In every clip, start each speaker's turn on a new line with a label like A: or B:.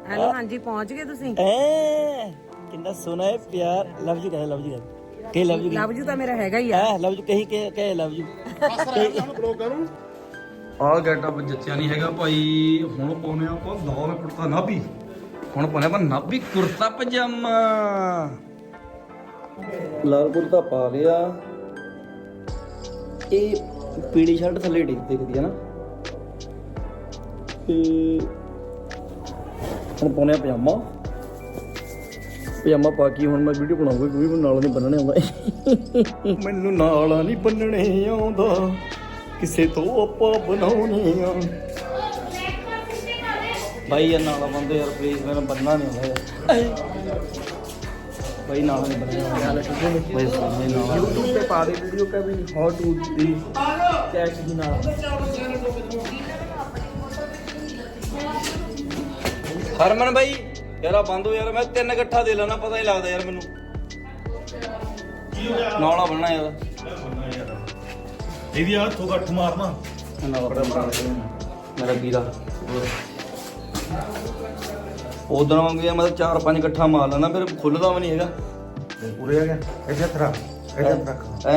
A: Hello ਹਾਂਜੀ ਪਹੁੰਚ ਗਏ ਤੁਸੀਂ।
B: ਕਿੰਨਾ ਸੋਹਣਾ ਹੈ ਪਿਆਰ। ਲਵ ਯੂ ਕਹੇ, ਲਵ ਯੂ ਕਹੇ, ਲਵ ਯੂ
A: ਲਵ ਯੂ ਤਾਂ ਮੇਰਾ ਹੈਗਾ ਹੀ ਆ।
B: ਲਵ ਯੂ ਕਹੇ ਲਵ ਯੂ।
C: ਆਹ ਗੈਟਅਪ ਜੱਚਿਆ ਨਹੀਂ ਹੈਗਾ ਭਾਈ। ਹੁਣ ਪਾਉਨੇ ਆਪਾਂ ਲਾਲ ਕੁੜਤਾ ਨਾਭੀ। ਹੁਣ ਪਾਉਨੇ ਆਪਾਂ ਨਾਭੀ ਕੁੜਤਾ ਪਜਾਮਾ।
B: ਲਾਲ ਕੁੜਤਾ ਪਾ ਲਿਆ। ਇਹ ਪੀਲੀ ਸ਼ਰਟ ਥੱਲੇ ਡਿੱਗ ਦਿਖਦੀ ਹੈ ਨਾ। ਤੇ ਹੁਣ ਪਾਉਨੇ ਪਜਾਮਾ। ਪਜਾਮਾ ਪਾ ਕੇ ਹੁਣ ਮੈਂ ਵੀਡੀਓ ਬਣਾਉਂਗਾ ਕਿਉਂਕਿ ਮੈਨੂੰ ਨਾਲ ਨਹੀਂ ਬੰਨਣੇ ਆਉਂਦਾ। ਮੈਨੂੰ ਨਾਲ ਨਹੀਂ ਬੰਨਣੇ ਆਉਂਦਾ, ਕਿਸੇ ਤੋਂ ਆਪਾਂ ਬਣਾਉਣੇ ਆ। ਭਾਈ ਯਾਰ ਨਾਲਾ ਬੰਦੇ ਯਾਰ ਪਲੀਜ਼, ਮੈਨੂੰ ਬੰਨਣਾ ਨਹੀਂ ਆਉਂਦਾ ਯਾਰ। भाई नाला नहीं बनेगा भाई नाला YouTube पे पा दे वीडियो का भी हाउ टू दी कैश की नाला।
C: ਹਰਮਨ ਭਾਈ ਯਾਰ ਆ ਬੰਦ ਹੋ ਯਾਰ। ਮੈਂ 3 ਇਕੱਠਾ ਦੇ ਲੈਣਾ, ਪਤਾ ਨਹੀਂ ਲੱਗਦਾ ਯਾਰ ਮੈਨੂੰ। ਨਾਲਾ ਬਣਨਾ ਯਾਰ।
D: ਇਹਦੀ ਆ ਤੋਂ ਗੱਠ ਮਾਰਨਾ
C: ਮੇਰਾ ਵੀਰਾ ਉਧਰ ਵਾਂਗੂ ਯਾਰ ਮੈਂ 4-5 ਇਕੱਠਾ ਮਾਰ ਲੈਣਾ, ਫਿਰ ਖੁੱਲਦਾ ਵੀ ਨਹੀਂ ਹੈਗਾ।
D: ਪੂਰੇ ਆ ਗਿਆ ਇੱਥੇ ਤਰਾ ਇੱਥੇ ਰੱਖ
C: ਹੈ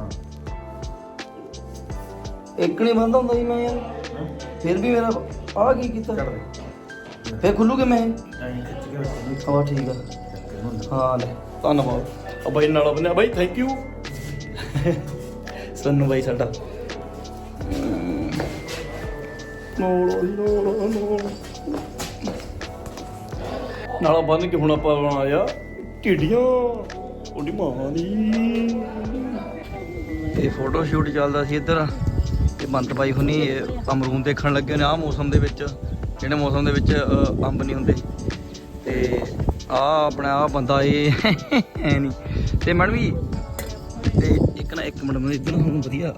C: ਇੱਕ ਨਹੀਂ ਬੰਦ ਹੁੰਦਾ ਜੀ ਮੈਂ ਯਾਰ। ਫਿਰ ਵੀ ਮੇਰਾ ਆ ਕੀ ਕੀਤਾ ਫਿਰ ਖੁੱਲੂ ਕਿ ਮੈਂ ਹਾਂ ਠੀਕ ਆ। ਹਾਂ ਲੈ ਧੰਨਵਾਦ।
B: ਬਾਈ ਨਾਲਾ ਬੰਨਿਆ ਬਾਈ, ਥੈਂਕ ਯੂ
C: ਸੋਨੂੰ ਬਾਈ ਸਾਡਾ।
B: ਨਾਲਾ ਬੰਨ ਕੇ ਹੁਣ ਆਪਾਂ ਬਣਾਇਆ ਢੀਡੀਆਂ ਉਹਦੀ ਮਾਂ ਦੀ।
C: ਇਹ ਫੋਟੋ ਸ਼ੂਟ ਚੱਲਦਾ ਸੀ ਇੱਧਰ। ਤੇ ਬੰਤ ਬਾਈ ਹੁਣੀ ਅਮਰੂਦ ਦੇਖਣ ਲੱਗੇ ਨੇ ਆਹ ਮੌਸਮ ਦੇ ਵਿੱਚ, ਜਿਹੜੇ ਮੌਸਮ ਦੇ ਵਿੱਚ ਅੰਬ ਨਹੀਂ ਹੁੰਦੇ। ਤੇ ਆਹ ਆਪਣਾ ਆਹ ਬੰਦਾ ਇਹ ਐ ਨਹੀਂ। ਤੇ ਮੈਡਮ ਵੀ ਤੇ ਇੱਕ ਮਿੰਟ ਮੈਨੂੰ ਇੱਧਰ ਹੁਣ ਵਧੀਆ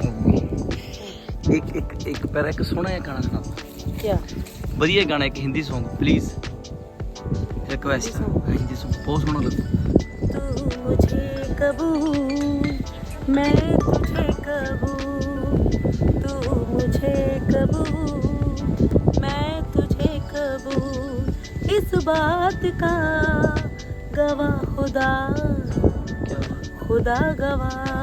C: ਇੱਕ ਪੈਰਾ ਇੱਕ ਸੋਹਣਾ ਜਿਹਾ ਗਾਣਾ ਸੁਣਾ।
A: ਕਿਆ
C: ਵਧੀਆ ਗਾਣਾ ਇੱਕ Hindi Song please, request. Hindi Song ਬਹੁਤ ਸੋਹਣਾ ਲੱਗਦਾ।
A: तू मुझे कबूल मैं तुझे कबूल, तू मुझे कबूल मैं तुझे कबूल, इस बात का गवाह खुदा खुदा गवाह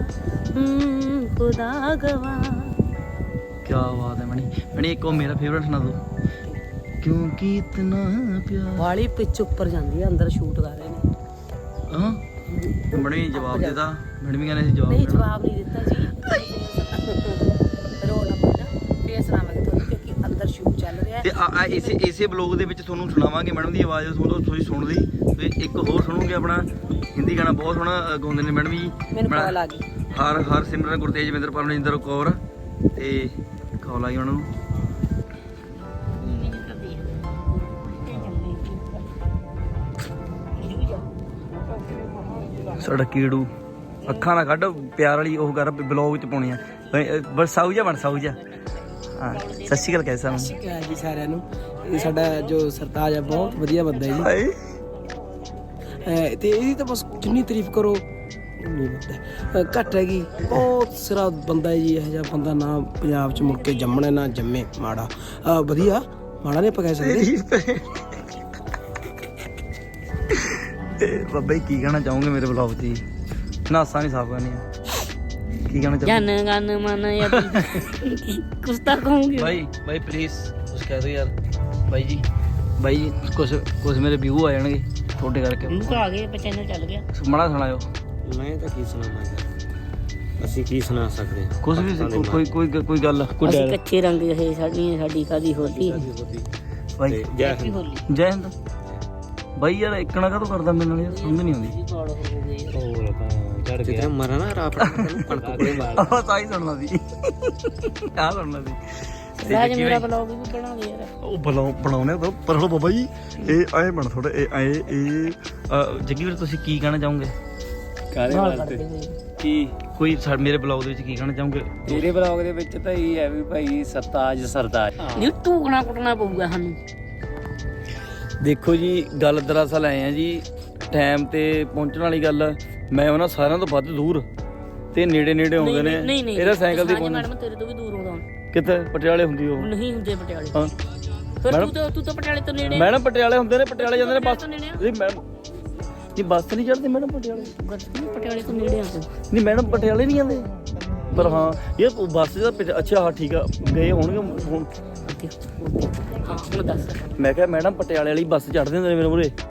A: खुदा गवाह।
C: क्या बात है मणि एक और मेरा फेवरेट सुना दो। क्योंकि इतना प्यार
A: ਵਾਲੀ ਪਿੱਚ ਉੱਪਰ ਜਾਂਦੀ ਹੈ, ਅੰਦਰ ਸ਼ੂਟ ਕਰ ਰਹੇ ਨੇ।
C: ਹਾਂ ਮਣੀ ਜਵਾਬ ਦੇਦਾ। ਮੈਡਮ ਵੀ ਕਹਿੰਦੇ ਸੀ ਜਵਾਬ
A: ਨਹੀਂ
C: ਦੇਣਾ।
A: ਜਵਾਬ ਨਹੀਂ ਦਿੱਤਾ ਜੀ। ਰੋਣਾ ਪੈਣਾ ਫੇਰ ਸੁਣਾਵਾਂਗੇ ਤੁਹਾਨੂੰ, ਕਿਉਂਕਿ ਅੰਦਰ ਸ਼ੂਟ ਚੱਲ ਰਿਹਾ ਹੈ।
C: ਤੇ ਇਸੇ ਬਲੌਗ ਦੇ ਵਿੱਚ ਤੁਹਾਨੂੰ ਸੁਣਾਵਾਂਗੇ ਮੈਡਮ ਦੀ ਆਵਾਜ਼। ਤੁਸੀਂ ਸੁਣ ਲਈ ਤੇ ਇੱਕ ਹੋਰ ਸੁਣੋਗੇ ਆਪਣਾ ਹਿੰਦੀ ਗਾਣਾ ਬਹੁਤ ਸੋਹਣਾ ਗਾਉਂਦੇ ਨੇ ਮੈਡਮ ਜੀ।
A: ਮੈਨੂੰ ਕਾਲ ਆ ਗਈ।
C: ਹਰ ਸਿਮਰਨ ਗੁਰਤੇਜਵਿੰਦਰ ਪਰਮਜਿੰਦਰ ਕੌਰ ਤੇ ਕਾਲ ਆਈ ਉਹਨਾਂ ਨੂੰ। ਸਾਡਾ ਕੀੜੂ ਅੱਖਾਂ ਨਾ ਕੱਢ, ਪਿਆਰ ਵਾਲੀ ਉਹ ਕਰ ਬਲੌਗ ਚ ਪਾਉਣੀ ਆ ਬਸ। ਸਾਊ ਜਾ ਬਣ ਸਾਊ ਜਾ। ਹਾਂ ਸਤਿ ਸ਼੍ਰੀ ਅਕਾਲ ਕੈਸਾ ਨੂੰ
E: ਜੀ ਸਾਰਿਆਂ ਨੂੰ। ਇਹ ਸਾਡਾ ਜੋ ਸਰਤਾਜ ਹੈ ਬਹੁਤ ਵਧੀਆ ਬੰਦਾ ਜੀ। ਤੇ ਇਹਦੀ ਤਾਂ ਬਸ ਜਿੰਨੀ ਤਾਰੀਫ ਕਰੋ ਉਨੀ ਬੰਦਾ ਘੱਟ ਹੈਗੀ। ਬਹੁਤ ਸਿਰਾ ਬੰਦਾ ਹੈ ਜੀ। ਇਹੋ ਜਿਹਾ ਬੰਦਾ ਨਾ ਪੰਜਾਬ 'ਚ ਮੁੜ ਕੇ ਜੰਮਣਾ ਨਾ ਜੰਮੇ। ਮਾੜਾ ਵਧੀਆ ਮਾੜਾ ਨਹੀਂ ਆਪਾਂ ਕਹਿ ਸਕਦੇ।
C: ਤੇ ਬਾਬਾ ਜੀ ਕੀ ਕਹਿਣਾ ਚਾਹੋਗੇ ਮੇਰੇ ਬਲੌਗ 'ਚ ਜੀ? ਨਾਸਾਂ ਨਹੀਂ ਸਾਫ਼ ਕਰਨੀਆਂ। ਕੀ ਕਹਿਣਾ ਚਾਹੋਗੇ?
A: ਜਨ ਗਨ ਮਨ ਯਾ ਕੁਛ ਤਾਂ ਕਹੂੰਗੀ
C: ਬਾਈ ਪਲੀਜ਼ ਕੁਛ ਕਹਿ ਦਿਓ ਯਾਰ। ਬਾਈ ਜੀ ਕੁਛ ਮੇਰੇ ਵਿਊ ਆ ਜਾਣਗੇ ਤੁਹਾਡੇ ਕਰਕੇ।
A: ਉਹ ਤਾਂ ਆ ਗਏ, ਚੈਨਲ ਚੱਲ ਗਿਆ।
C: ਮਾੜਾ ਸੁਣਾਇਓ।
B: ਮੈਂ ਤਾਂ ਕੀ ਸੁਣਾਵਾਂ ਯਾਰ, ਅਸੀਂ ਕੀ ਸੁਣਾ ਸਕਦੇ ਹਾਂ?
C: ਕੁਛ ਵੀ ਕੋਈ ਗੱਲ
A: ਅਸੀਂ ਕੱਚੇ ਰੰਗ ਇਹ ਸਾਡੀ ਕਾਦੀ ਹੋਲੀ
C: ਬਾਈ
B: ਜੈ
C: ਜੈ ਹਿੰਦ। ਬਾਈ ਯਾਰ ਇੱਕਣਾ ਕਾਹਤੋਂ ਕਰਦਾ ਮੇਰੇ ਨਾਲ ਯਾਰ, ਸਮਝ ਨਹੀਂ ਆਉਂਦੀ।
B: ਹੋਰ ਚੜ ਗਿਆ ਮਰਾ ਨਾ ਰਾਪ ਕਣਕ ਕੋਲੇ ਮਾਰ।
C: ਆਹ ਸਾਈ ਸੁਣਨਾ ਸੀ ਆਹ ਸੁਣਨਾ ਸੀ।
A: ਰਾਜ ਮੇਰਾ ਬਲੌਗ ਵੀ ਬਣਾ ਦੇ ਯਾਰ।
C: ਉਹ ਬਣਾਉਣੇ ਪਰ ਹਲੋ ਬਾਬਾ ਜੀ ਇਹ ਆਏ ਬਣ ਥੋੜਾ ਇਹ ਜੱਗੀ ਵੀਰ ਤੁਸੀਂ ਕੀ ਕਹਿਣਾ ਚਾਹੋਗੇ?
B: ਕਾਹਦੇ ਵਾਸਤੇ ਕੀ
C: ਕੋਈ ਮੇਰੇ ਬਲੌਗ ਦੇ ਵਿੱਚ ਕੀ ਕਹਿਣਾ ਚਾਹੋਗੇ?
B: ਤੇਰੇ ਬਲੌਗ ਦੇ ਵਿੱਚ ਤਾਂ ਇਹ ਹੈ ਵੀ ਭਾਈ ਸਰਤਾਜ
A: ਨਹੀਂ ਟੂਕਣਾ ਕੁੱਟਣਾ ਪਊਗਾ ਸਾਨੂੰ।
C: ਦੇਖੋ ਜੀ ਗੱਲ ਦਰਅਸਲ ਆਏ ਆ ਜੀ, ਟਾਈਮ ਤੇ ਪਹੁੰਚਣ ਵਾਲੀ ਗੱਲ। ਮੈਂ ਉਹਨਾਂ ਸਾਰਿਆਂ ਤੋਂ ਵੱਧ ਦੂਰ ਤੇ ਨੇੜੇ ਆਉਂਦੇ ਨੇ। ਇਹਦਾ ਸਾਈਕਲ ਦੀ
A: ਮੈਡਮ ਤੇਰੇ ਤੋਂ ਵੀ ਦੂਰ ਆਉਂਦਾ।
C: ਕਿੱਥੇ? ਪਟਿਆਲੇ ਹੁੰਦੀ ਉਹ
A: ਨਹੀਂ ਹੁੰਦੇ ਪਟਿਆਲੇ।
C: ਹਾਂ
A: ਫਿਰ
C: ਮੈਡਮ
A: ਤੂੰ ਤਾਂ ਪਟਿਆਲੇ ਤੋਂ ਨੇੜੇ
C: ਮੈਡਮ ਪਟਿਆਲੇ ਹੁੰਦੇ ਨੇ, ਪਟਿਆਲੇ ਜਾਂਦੇ ਨੇ ਬੱਸ।
A: ਤੋਂ ਨੇੜੇ ਆ।
C: ਨਹੀਂ ਮੈਡਮ ਨਹੀਂ ਬੱਸ ਨਹੀਂ ਚੜ੍ਹਦੀ ਮੈਡਮ ਪਟਿਆਲੇ।
A: ਪਟਿਆਲੇ ਤੋਂ ਨੇੜੇ ਆ ਤੂੰ।
C: ਨਹੀਂ ਮੈਡਮ ਪਟਿਆਲੇ ਨਹੀਂ ਜਾਂਦੇ, ਪਰ ਹਾਂ ਇਹ ਬੱਸ ਦਾ ਅੱਛਾ ਹਾਂ ਠੀਕ ਆ ਗਏ ਹੋਣਗੇ ਹੁਣ।
A: ਹਾਂ ਹੁਣ ਦੱਸ।
C: ਮੈਂ ਕਿਹਾ ਮੈਡਮ ਪਟਿਆਲੇ ਵਾਲੀ ਬੱਸ ਚੜ੍ਹਦੇ ਹੁੰਦੇ ਨੇ ਮੇਰੇ ਮੂਹਰੇ।